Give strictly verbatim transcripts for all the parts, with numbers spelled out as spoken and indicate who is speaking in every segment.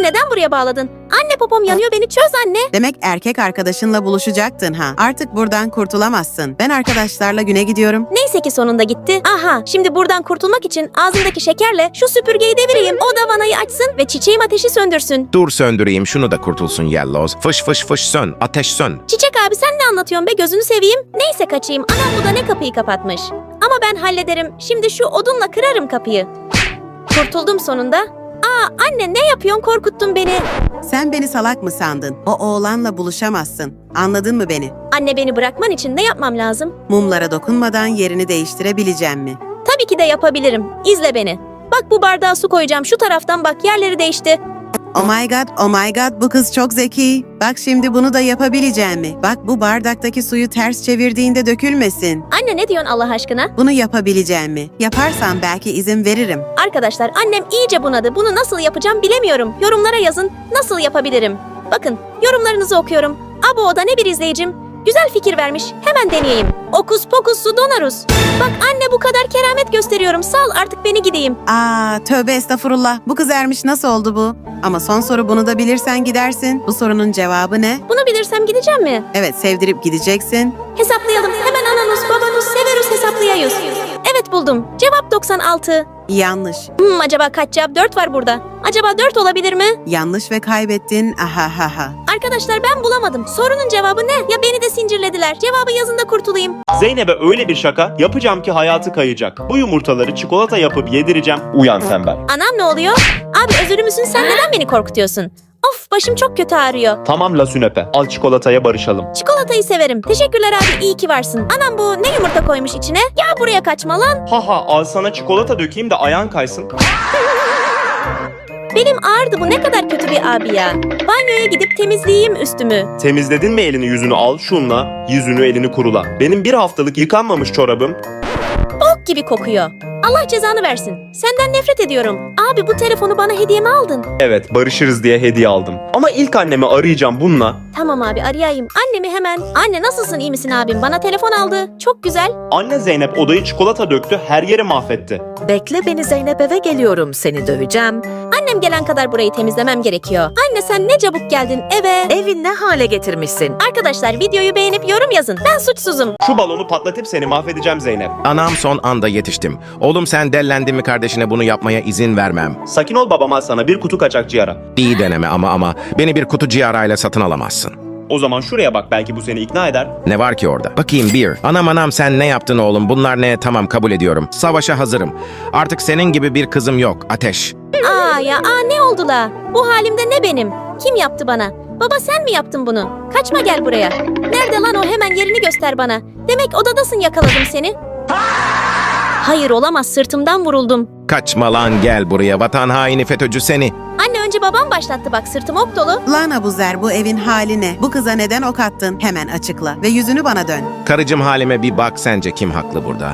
Speaker 1: neden buraya bağladın? Anne popom yanıyor, beni çöz anne.
Speaker 2: Demek erkek arkadaşınla buluşacaktın ha. Artık buradan kurtulamazsın. Ben arkadaşlarla güne gidiyorum.
Speaker 1: Neyse ki sonunda gitti. Aha, şimdi buradan kurtulmak için ağzımdaki şekerle şu süpürgeyi devireyim. O da vanayı açsın ve çiçeğim ateşi söndürsün.
Speaker 3: Dur söndüreyim şunu da kurtulsun Yellows. Fış fış fış sön. Ateş sön.
Speaker 1: Çiçek abi sen ne anlatıyorsun be, gözünü seveyim. Neyse kaçayım. Anam bu da ne kapıyı kapatmış. Ama ben hallederim. Şimdi şu odunla kırarım kapıyı. Kurtuldum sonunda. Aa anne, ne yapıyorsun, korkuttun beni.
Speaker 2: Sen beni salak mı sandın? O oğlanla buluşamazsın. Anladın mı beni?
Speaker 1: Anne, beni bırakman için ne yapmam lazım?
Speaker 2: Mumlara dokunmadan yerini değiştirebileceğim mi?
Speaker 1: Tabii ki de yapabilirim. İzle beni. Bak, bu bardağa su koyacağım. Şu taraftan bak, yerleri değişti.
Speaker 2: Oh my god, oh my god, bu kız çok zeki. Bak şimdi bunu da yapabileceğim mi? Bak bu bardaktaki suyu ters çevirdiğinde dökülmesin.
Speaker 1: Anne ne diyorsun Allah aşkına?
Speaker 2: Bunu yapabileceğim mi? Yaparsam belki izin veririm.
Speaker 1: Arkadaşlar, annem iyice bunadı. Bunu nasıl yapacağım bilemiyorum. Yorumlara yazın. Nasıl yapabilirim? Bakın, yorumlarınızı okuyorum. Abo, o da ne bir izleyicim. Güzel fikir vermiş. Hemen deneyeyim. Okus pokus su donaruz. Bak anne, bu kadar keramet gösteriyorum. Sal artık, beni gideyim.
Speaker 2: Aa, tövbe estağfurullah. Bu kız ermiş, nasıl oldu bu? Ama son soru, bunu da bilirsen gidersin. Bu sorunun cevabı ne?
Speaker 1: Bunu bilirsem gideceğim mi?
Speaker 2: Evet, sevdirip gideceksin.
Speaker 1: Hesaplayalım. Hemen ananus, babanus, severus hesaplayayız. Evet, buldum. Cevap doksan altı.
Speaker 2: Yanlış.
Speaker 1: Hmm, acaba kaç cevap? dört var burada. Acaba dört olabilir mi?
Speaker 2: Yanlış ve kaybettin. Ahahaha.
Speaker 1: Arkadaşlar, ben bulamadım. Sorunun cevabı ne? Ya beni de sincirlediler. Cevabı yazın da kurtulayım.
Speaker 4: Zeynep'e öyle bir şaka yapacağım ki hayatı kayacak. Bu yumurtaları çikolata yapıp yedireceğim. Uyan tembel.
Speaker 1: Anam, ne oluyor? Abi özürlü müsün? Sen neden beni korkutuyorsun? Of, başım çok kötü ağrıyor.
Speaker 4: Tamam la sünepe. Al çikolataya barışalım.
Speaker 1: Çikolatayı severim. Teşekkürler abi, iyi ki varsın. Anam, bu ne yumurta koymuş içine? Ya buraya kaçma lan.
Speaker 4: Haha, al sana çikolata dökeyim de ayağın kaysın.
Speaker 1: Benim ağrıdı, bu ne kadar kötü bir abi ya. Banyoya gidip temizleyeyim üstümü.
Speaker 4: Temizledin mi elini yüzünü, al şunla yüzünü elini kurula. Benim bir haftalık yıkanmamış çorabım.
Speaker 1: Bok gibi kokuyor. Allah cezanı versin. Senden nefret ediyorum. Abi, bu telefonu bana hediye mi aldın?
Speaker 4: Evet, barışırız diye hediye aldım. Ama ilk annemi arayacağım bununla.
Speaker 1: Tamam abi, arayayım. Annemi hemen. Anne, nasılsın, iyi misin abim? Bana telefon aldı. Çok güzel.
Speaker 4: Anne, Zeynep odayı çikolata döktü, her yeri mahvetti.
Speaker 5: Bekle beni Zeynep, eve geliyorum, seni döveceğim.
Speaker 1: Annem gelene kadar burayı temizlemem gerekiyor. Anne, sen ne çabuk geldin eve.
Speaker 5: Evi ne hale getirmişsin?
Speaker 1: Arkadaşlar, videoyu beğenip yorum yazın. Ben suçsuzum.
Speaker 4: Şu balonu patlatıp seni mahvedeceğim Zeynep.
Speaker 3: Anam son anda yetiştim. Oğlum sen dellendin mi kardeşine, bunu yapmaya izin vermem.
Speaker 4: Sakin ol, babam al sana bir kutu kaçak ciğara.
Speaker 3: İyi deneme ama ama beni bir kutu ciğerayla satın alamazsın.
Speaker 4: O zaman şuraya bak, belki bu seni ikna eder.
Speaker 3: Ne var ki orada? Bakayım bir. Anam anam sen ne yaptın oğlum? Bunlar ne? Tamam, kabul ediyorum. Savaşa hazırım. Artık senin gibi bir kızım yok. Ateş.
Speaker 1: Aa ya, aa ne oldu la? Bu halimde ne benim? Kim yaptı bana? Baba, sen mi yaptın bunu? Kaçma, gel buraya. Nerede lan o? Hemen yerini göster bana. Demek odadasın, yakaladım seni. Hayır, olamaz, sırtımdan vuruldum.
Speaker 3: Kaçma lan, gel buraya vatan haini FETÖ'cü seni.
Speaker 1: Anne, önce babam başlattı, bak sırtım ok dolu.
Speaker 2: Lan Abuzer, bu evin hali ne? Bu kıza neden ok attın? Hemen açıkla ve yüzünü bana dön.
Speaker 3: Karıcım halime bir bak, sence kim haklı burada?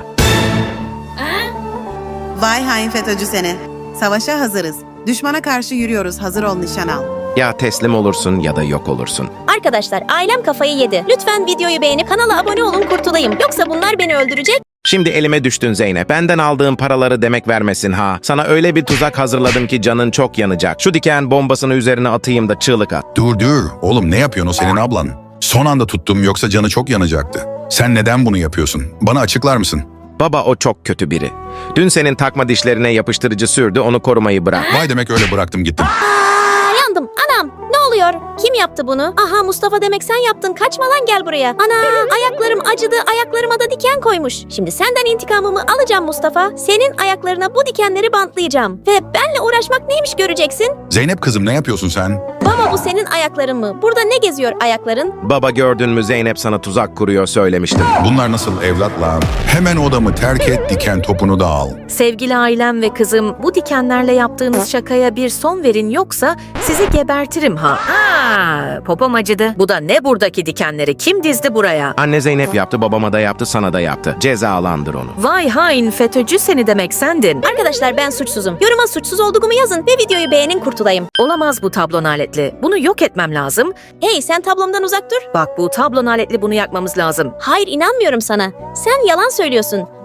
Speaker 2: Vay hain FETÖ'cü seni. Savaşa hazırız. Düşmana karşı yürüyoruz, hazır ol, nişan al.
Speaker 3: Ya teslim olursun ya da yok olursun.
Speaker 1: Arkadaşlar, ailem kafayı yedi. Lütfen videoyu beğenip kanala abone olun, kurtulayım. Yoksa bunlar beni öldürecek.
Speaker 3: Şimdi elime düştün Zeynep. Benden aldığın paraları demek vermesin ha. Sana öyle bir tuzak hazırladım ki canın çok yanacak. Şu diken bombasını üzerine atayım da çığlık at.
Speaker 6: Dur dur. Oğlum ne yapıyorsun, o senin ablan? Son anda tuttum, yoksa canı çok yanacaktı. Sen neden bunu yapıyorsun? Bana açıklar mısın?
Speaker 3: Baba, o çok kötü biri. Dün senin takma dişlerine yapıştırıcı sürdü, onu korumayı bırak.
Speaker 6: Vay demek öyle bıraktım gittim.
Speaker 1: Aa, yandım. Anam, ne oluyor? Kim yaptı bunu? Aha, Mustafa, demek sen yaptın. Kaçma lan, gel buraya. Ana, ayaklarım acıdı. Ayaklarıma da diken koymuş. Şimdi senden intikamımı alacağım Mustafa. Senin ayaklarına bu dikenleri bantlayacağım. Ve benle uğraşmak neymiş göreceksin.
Speaker 6: Zeynep kızım, ne yapıyorsun sen?
Speaker 1: Baba, bu senin ayakların mı? Burada ne geziyor ayakların?
Speaker 3: Baba, gördün mü, Zeynep sana tuzak kuruyor, söylemiştim.
Speaker 6: Bunlar nasıl evlat lan? Hemen odamı terk et, diken topunu da al.
Speaker 5: Sevgili ailem ve kızım, bu dikenlerle yaptığınız şakaya bir son verin, yoksa sizi gebertirim ha. Aa, popom acıdı. Bu da ne, buradaki dikenleri kim dizdi buraya?
Speaker 3: Anne Zeynep yaptı, babama da yaptı, sana da yaptı. Cezalandır onu.
Speaker 5: Vay hain FETÖ'cü seni, demek sendin.
Speaker 1: Arkadaşlar, ben suçsuzum. Yoruma suçsuz olduğumu yazın ve videoyu beğenin, kurtulayım.
Speaker 5: Olamaz bu tablon aletli. Bunu yok etmem lazım.
Speaker 1: Hey, sen tablomdan uzak dur.
Speaker 5: Bak, bu tablon aletli, bunu yakmamız lazım.
Speaker 1: Hayır, inanmıyorum sana. Sen yalan söylüyorsun.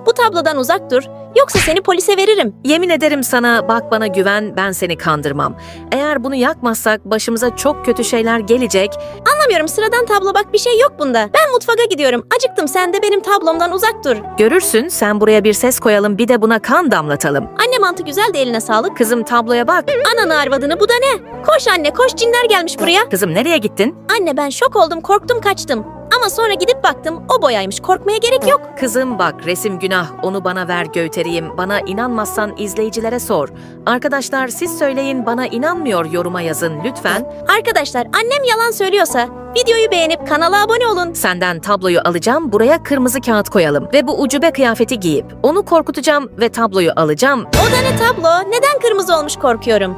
Speaker 1: Bu tablodan uzak dur. Yoksa seni polise veririm.
Speaker 5: Yemin ederim sana, bak bana güven, ben seni kandırmam. Eğer bunu yakmazsak başımıza çok kötü şeyler gelecek.
Speaker 1: Anlamıyorum, sıradan tablo bak, bir şey yok bunda. Ben mutfağa gidiyorum. Acıktım, sen de benim tablomdan uzak dur.
Speaker 5: Görürsün, sen buraya bir ses koyalım, bir de buna kan damlatalım.
Speaker 1: Anne mantı güzel de eline sağlık.
Speaker 5: Kızım tabloya bak.
Speaker 1: Ananı arvadını, bu da ne? Koş anne koş, cinler gelmiş buraya.
Speaker 5: Kızım nereye gittin?
Speaker 1: Anne ben şok oldum, korktum, kaçtım. Ama sonra gidip baktım o boyaymış, korkmaya gerek yok.
Speaker 5: Kızım bak, resim günah, onu bana ver göğtereyim. Bana inanmazsan izleyicilere sor. Arkadaşlar siz söyleyin, bana inanmıyor yoruma yazın lütfen.
Speaker 1: Arkadaşlar annem yalan söylüyorsa videoyu beğenip kanala abone olun.
Speaker 5: Senden tabloyu alacağım, buraya kırmızı kağıt koyalım. Ve bu ucube kıyafeti giyip onu korkutacağım ve tabloyu alacağım.
Speaker 1: O da ne tablo? Neden kırmızı olmuş, korkuyorum.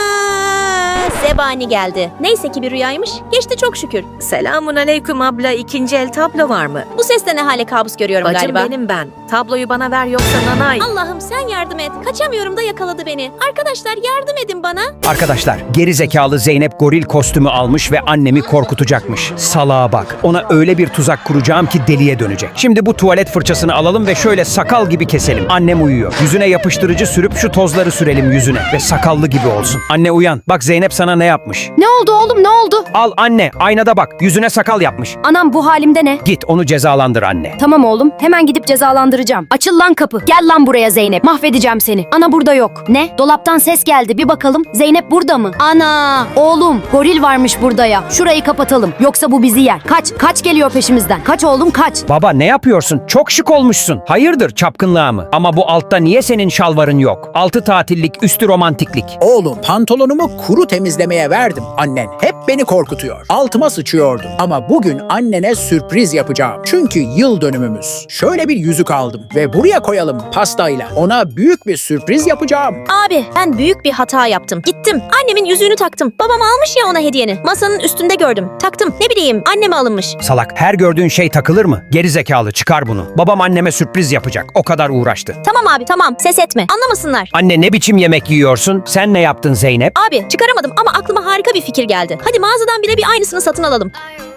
Speaker 1: Ana! Zebani geldi. Neyse ki bir rüyaymış. Geçti çok şükür.
Speaker 5: Selamun aleyküm abla, ikinci el tablo var mı?
Speaker 1: Bu sesle ne hale kabus görüyorum
Speaker 5: Bacım
Speaker 1: galiba.
Speaker 5: benim ben. Tabloyu bana ver yoksa nanay.
Speaker 1: Allah'ım sen yardım et. Kaçamıyorum da yakaladı beni. Arkadaşlar yardım edin bana.
Speaker 7: Arkadaşlar, geri zekalı Zeynep goril kostümü almış ve annemi korkutacakmış. Salağa bak. Ona öyle bir tuzak kuracağım ki deliye dönecek. Şimdi bu tuvalet fırçasını alalım ve şöyle sakal gibi keselim. Annem uyuyor. Yüzüne yapıştırıcı sürüp şu tozları sürelim yüzüne ve sakallı gibi olsun. Anne uyan. Bak Zeynep sana ne yapmış.
Speaker 8: Ne oldu oğlum, ne oldu?
Speaker 7: Al anne, aynada bak. Yüzüne sakal yapmış.
Speaker 8: Anam bu halimde ne?
Speaker 7: Git onu cezalandır anne.
Speaker 8: Tamam oğlum, hemen gidip cezalandıracağım. Açıl lan kapı. Gel lan buraya Zeynep. Mahvedeceğim seni. Ana burada yok. Ne? Dolaptan ses geldi. Bir bakalım. Zeynep burada mı? Ana! Oğlum, goril varmış burada ya. Şurayı kapatalım. Yoksa bu bizi yer. Kaç, kaç geliyor peşimizden. Kaç oğlum, kaç.
Speaker 7: Baba ne yapıyorsun? Çok şık olmuşsun. Hayırdır çapkınlığa mı? Ama bu altta niye senin şalvarın yok? Altı tatillik, üstü romantiklik.
Speaker 9: Oğlum pantolonumu kuru temizlemeye verdim. Annen hep beni korkutuyor. Altıma sıçıyordum. Ama bugün annene sürpriz yapacağım. Çünkü yıl dönümümüz. Şöyle bir yüzük aldım ve buraya koyalım pastayla. Ona büyük bir sürpriz yapacağım.
Speaker 1: Abi ben büyük bir hata yaptım. Gittim annemin yüzüğünü taktım. Babam almış ya ona hediyeni. Masanın üstünde gördüm. Taktım. Ne bileyim anneme alınmış.
Speaker 7: Salak, her gördüğün şey takılır mı? Geri zekalı, çıkar bunu. Babam anneme sürpriz yapacak. O kadar uğraştı.
Speaker 1: Tamam abi tamam, ses etme. Anlamasınlar.
Speaker 7: Anne ne biçim yemek yiyorsun? Sen ne yaptın Zeynep?
Speaker 1: Abi çıkaramadım ama aklıma harika bir fikir geldi. Hadi mağazadan birebir aynısını satın alalım.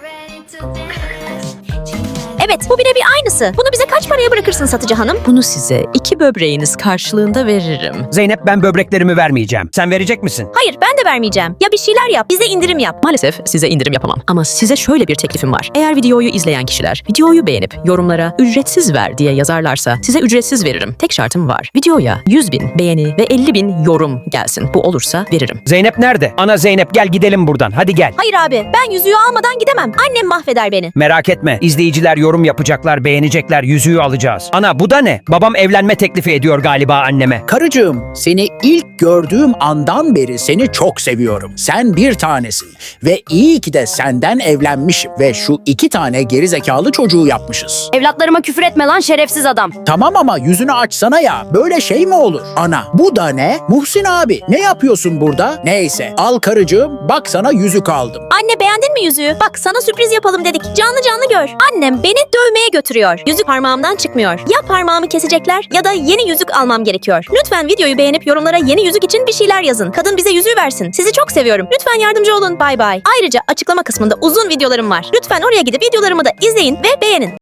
Speaker 1: Evet, bu birebir aynısı. Bunu bize kaç paraya bırakırsın satıcı hanım?
Speaker 10: Bunu size iki böbreğiniz karşılığında veririm.
Speaker 7: Zeynep, ben böbreklerimi vermeyeceğim. Sen verecek misin?
Speaker 1: Hayır, ben de vermeyeceğim. Ya bir şeyler yap, bize indirim yap.
Speaker 10: Maalesef size indirim yapamam. Ama size şöyle bir teklifim var. Eğer videoyu izleyen kişiler videoyu beğenip yorumlara ücretsiz ver diye yazarlarsa size ücretsiz veririm. Tek şartım var. Videoya yüz bin beğeni ve elli bin yorum gelsin. Bu olursa veririm.
Speaker 7: Zeynep nerede? Ana Zeynep, gel gidelim buradan. Hadi gel.
Speaker 1: Hayır abi, ben yüzüğü almadan gidemem. Annem mahveder beni.
Speaker 7: Merak etme. İzleyiciler yorum yapacaklar, beğenecekler, yüzüğü alacağız. Ana bu da ne? Babam evlenme teklifi ediyor galiba anneme.
Speaker 9: Karıcığım, seni ilk gördüğüm andan beri seni çok seviyorum. Sen bir tanesin ve iyi ki de senden evlenmişim ve şu iki tane gerizekalı çocuğu yapmışız.
Speaker 8: Evlatlarıma küfür etme lan şerefsiz adam.
Speaker 9: Tamam ama yüzünü açsana ya. Böyle şey mi olur? Ana, bu da ne? Muhsin abi, ne yapıyorsun burada? Neyse, al karıcığım, bak sana yüzük aldım.
Speaker 1: Anne beğendin mi yüzüğü? Bak sana sürpriz yapalım dedik. Canlı canlı gör. Annem beni dövmeye götürüyor. Yüzük parmağımdan çıkmıyor. Ya parmağımı kesecekler ya da yeni yüzük almam gerekiyor. Lütfen videoyu beğenip yorumlara yeni yüzük için bir şeyler yazın. Kadın bize yüzüğü versin. Sizi çok seviyorum. Lütfen yardımcı olun. Bay bay. Ayrıca açıklama kısmında uzun videolarım var. Lütfen oraya gidip videolarımı da izleyin ve beğenin.